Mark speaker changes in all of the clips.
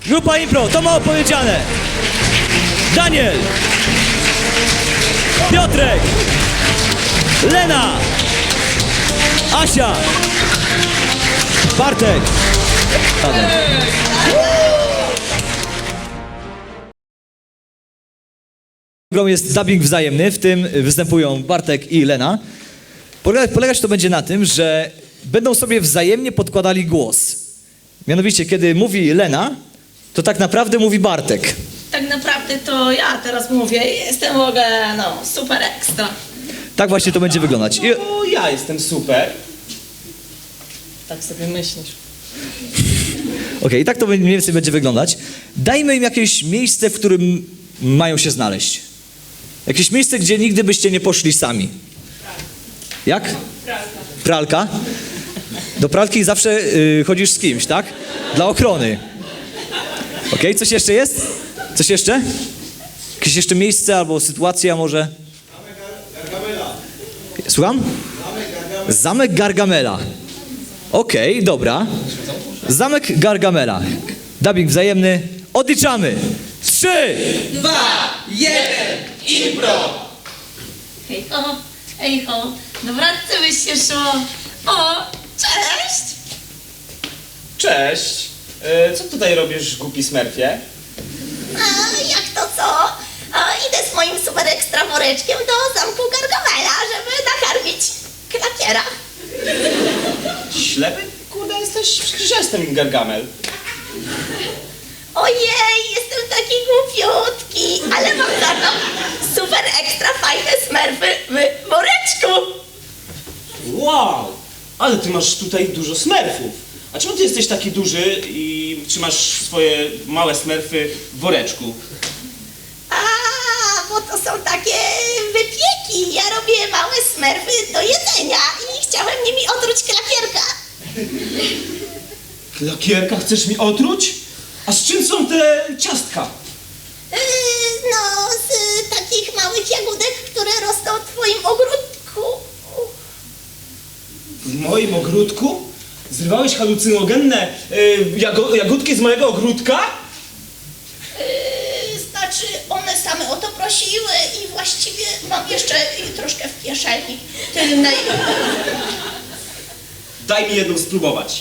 Speaker 1: Grupa Impro, to mało powiedziane. Daniel, Piotrek, Lena, Asia, Bartek. Jest dubbing wzajemny, w tym występują Bartek i Lena. Polegać to będzie na tym, że będą sobie wzajemnie podkładali głos. Mianowicie, kiedy mówi Lena, to tak naprawdę mówi Bartek.
Speaker 2: Tak naprawdę to ja teraz mówię, jestem w ogóle, no, super ekstra.
Speaker 1: Tak właśnie to będzie wyglądać.
Speaker 3: O, ja jestem super.
Speaker 2: Tak sobie myślisz.
Speaker 1: Okej, i tak to mniej więcej będzie wyglądać. Dajmy im jakieś miejsce, w którym mają się znaleźć. Jakieś miejsce, gdzie nigdy byście nie poszli sami. Jak? Pralka. Do pralki zawsze chodzisz z kimś, tak? Dla ochrony. Okej, coś jeszcze jest? Coś jeszcze? Jakieś jeszcze miejsce albo sytuacja może? Słucham? Zamek Gargamela. Okej, dobra. Zamek Gargamela. Dubbing wzajemny. Odliczamy. 3,
Speaker 3: 2, 1, impro!
Speaker 2: Hej ho, ej ho, do wratcy byś się szło. O, cześć!
Speaker 3: Cześć. Co tutaj robisz, głupi smerfie?
Speaker 4: A jak to co? Idę z moim super ekstra woreczkiem do zamku Gargamela, żeby nakarmić klakiera.
Speaker 3: Ślepy? Kurde, jesteś... Przecież ja jestem Gargamel.
Speaker 4: Ojej, jestem taki głupiutki, ale mam za to super ekstra fajne smerfy w woreczku.
Speaker 3: Wow! Ale ty masz tutaj dużo smerfów. A czemu ty jesteś taki duży i trzymasz swoje małe smerfy w woreczku?
Speaker 4: A, bo to są takie wypieki. Ja robię małe smerfy do jedzenia i chciałem nimi otruć klakierka.
Speaker 3: Klakierka chcesz mi otruć? A z czym są te ciastka?
Speaker 4: No, z takich małych jagódek, które rosną w twoim ogródku.
Speaker 3: W moim ogródku? Zrywałeś halucynogenne jagódki z mojego ogródka?
Speaker 4: Znaczy, one same o to prosiły i właściwie mam jeszcze troszkę w kieszeni tylnej.
Speaker 3: Daj mi jedną spróbować.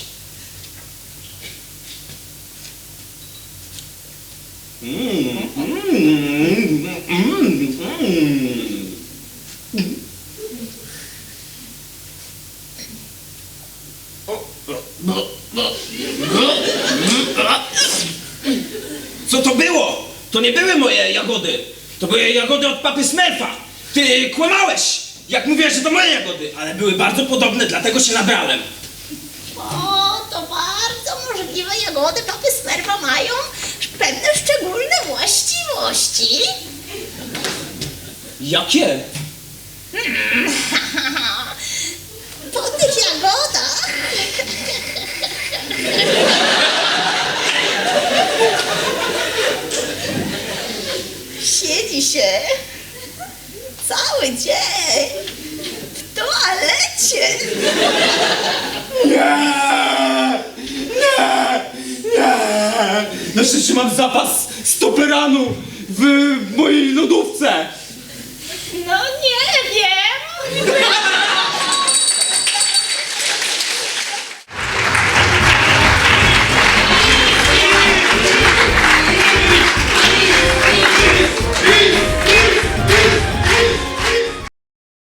Speaker 3: Co to było? To nie były moje jagody. To były jagody od papy Smurfa. Ty kłamałeś, jak mówiłeś, że to moje jagody, ale były bardzo podobne, dlatego się nabrałem.
Speaker 4: O, to bardzo możliwe. Jagody papy Smurfa mają pewne szczególne właściwości.
Speaker 3: Jakie?
Speaker 4: Po tych jagodach siedzi się cały dzień w toalecie.
Speaker 3: Na szczęście mam zapas stoperanu w mojej lodówce.
Speaker 4: No nie wiem.